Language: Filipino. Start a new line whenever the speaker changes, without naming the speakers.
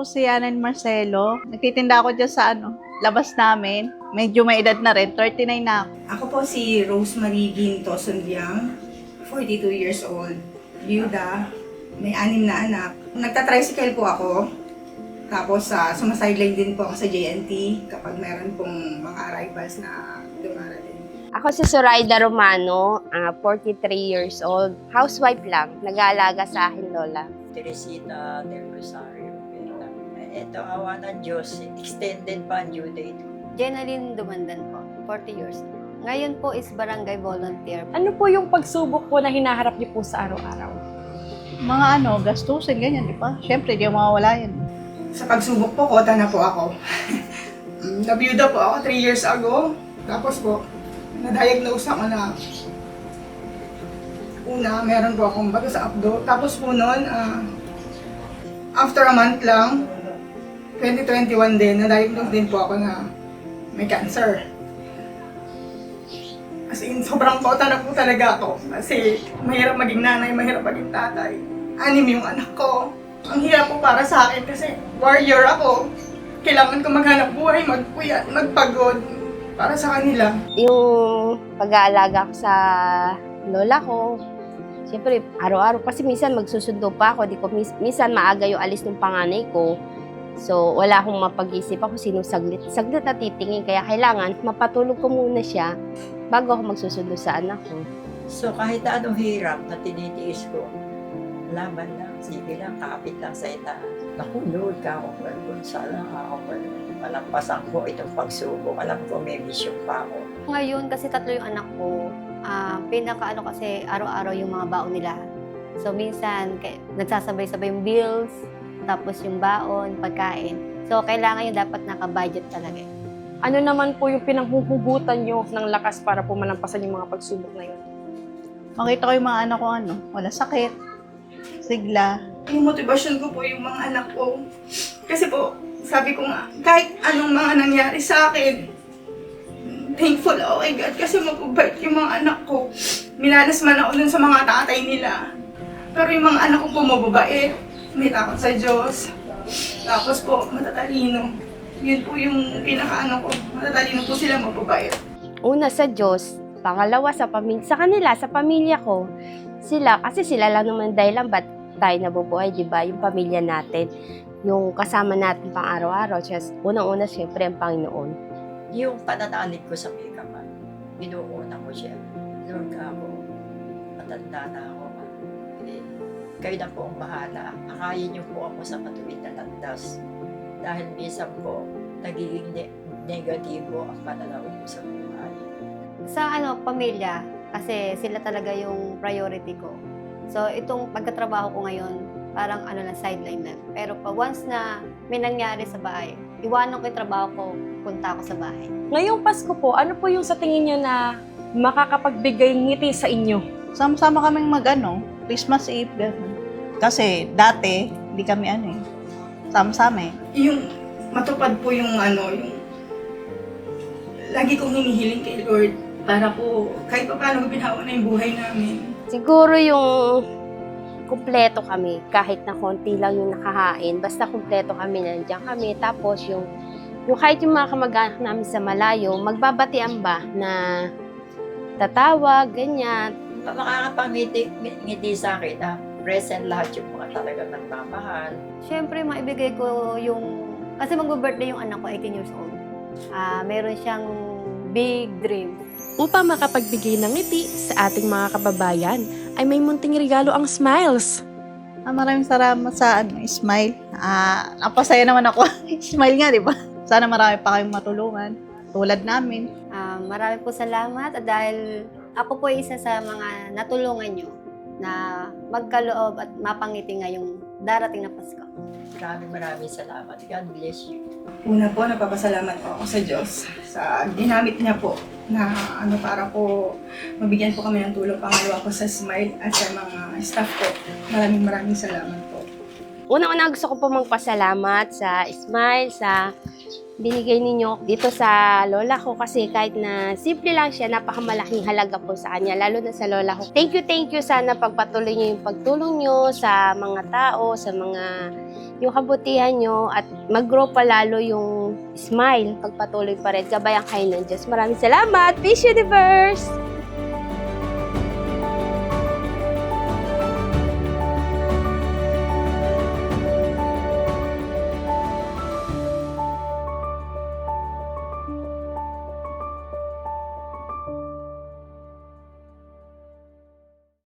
po si Anan Marcelo. Nagtitinda ako dyan sa labas namin. Medyo may edad na rin, 39 na ako.
Ako po si Rosemary Ginto Sundiang, 42 years old, byuda, may 6 na anak. Nagta-tricycle po ako, tapos sumasideline din po ako sa JNT kapag meron pong mga arrivals na dumarating.
Ako si Zoraida Romano, 43 years old, housewife lang, nag-aalaga sa akin lola.
Teresita del Rosario. Ito, awa ng Diyos, extended pa ang due date.
Jenaline Dumandan po, 40 years old. Ngayon po is barangay volunteer.
Ano po yung pagsubok po na hinaharap niyo po sa araw-araw?
Mga gastusin, ganyan, di ba? Siyempre, di mawawala yan.
Sa pagsubok po, kota na po ako. Nabiyuda po ako 3 years ago, tapos po, na-diagnose ako na una, meron po akong bato sa abdo. Tapos po noon, after a month lang, 2021 din, na-diagnose din po ako na may cancer. As in, sobrang kota na po talaga ako. Kasi mahirap maging nanay, mahirap maging tatay. 6 yung anak ko. Ang hirap po para sa akin kasi warrior ako. Kailangan ko maghanap buhay, magpuyat, magpagod para sa kanila.
Yung pag-aalaga ko sa lola ko, siyempre, araw-araw, kasi minsan magsusundo pa ako, minsan maaga yung alis ng panganay ko. So, wala akong mapag-isip ako sino saglit na titingin, kaya kailangan mapatulog ko muna siya bago ako magsusundo sa anak ko.
So kahit anong hirap na tinitiis ko, laban lang, sige lang, kapit lang sa itaas. Naku, Lord, kakapal ko, sana kakapal. Malampasan ko itong pagsubok, alam ko may mission pa ako.
Ngayon, kasi 3 yung anak ko, kasi araw-araw yung mga baon nila. So, minsan, nagsasabay-sabay yung bills, tapos yung baon, pagkain. So, kailangan yung dapat naka-budget talaga.
Ano naman po yung pinanghuhugutan niyo ng lakas para po malampasan yung mga pagsubok na yun?
Makita ko yung mga anak ko, wala sakit, sigla.
Yung motivasyon ko po yung mga anak ko. Kasi po, sabi ko nga, kahit anong mga nangyari sa akin, thankful ako kay God kasi mababait yung mga anak ko. Minalas man ako dun sa mga tatay nila. Pero yung mga anak ko po mababait, may takot sa Diyos. Tapos po, matatalino. Yun po yung pinaka-ano ko. Matatalino po sila, mababait.
Una sa Diyos, pangalawa sa kanila, sa pamilya ko. Kasi sila lang naman dahilan ba't tayo nabubuhay, di ba? Yung pamilya natin, yung kasama natin pang araw-araw. Unang-una, siyempre, ang Panginoon.
Yung pananalig ko sa Megaman, binuuna ko siya. Lord, ako, matanda na ako. Kayo na po ang bahala. Akayin niyo po ako sa matuwid na landas. Dahil minsan po, nagiging negatibo ang pananaw ko sa buhay.
Sa pamilya, kasi sila talaga yung priority ko. So, itong pagkatrabaho ko ngayon, parang sideline lang. Pero once na may nangyari sa bahay, iwanan ko yung trabaho ko, punta ako sa bahay.
Ngayong Pasko po, ano po yung sa tingin niyo na makakapagbigay ngiti sa inyo?
Sama-sama kaming Christmas Eve, gano'n. Kasi dati, hindi kami sama-sama eh.
Yung matupad po yung yung lagi kong hinihiling kay Lord para po kahit pa paano binawa na yung buhay namin.
Siguro yung kumpleto kami, kahit na konti lang yung nakahain, basta kumpleto kami, nandiyan kami. Tapos yung kahit yung mga kamag-anak namin sa malayo, magbabatian ba na tatawag, ganyan.
Makakapangiti sa akin na present lahat yung mga talagang nagmamahal.
Siyempre, maibigay ko kasi mag-birthday yung anak ko, 18 years old. Meron siyang big dream.
Upang makapagbigay ng ngiti sa ating mga kababayan, ay may munting regalo ang Smiles.
Maraming salamat sa Smile. Napasaya naman ako. Smile nga, di ba? Sana marami pa kayong matulungan. Tulad namin.
Marami po salamat at dahil ako po isa sa mga natulungan nyo na magkaloob at mapangiti ngayong darating na Pasko.
Maraming salamat. God bless you.
Una po, nagpapasalamat po ako sa Diyos sa ginamit niya po na para po mabigyan po kami ng tulong. Pangalawa po sa Smile at sa mga staff ko. Maraming salamat po.
Una-una gusto ko po magpasalamat sa Smile, sa binigay ninyo dito sa lola ko kasi kahit na simple lang siya, napakamalaking halaga po sa kanya, lalo na sa lola ko. Thank you. Sana pagpatuloy niyo yung pagtulong niyo sa mga tao, sa mga yung kabutihan nyo at mag-grow pa lalo yung smile. Pagpatuloy pa rin, gabayan kayo ng Diyos. Maraming salamat, Peace Universe!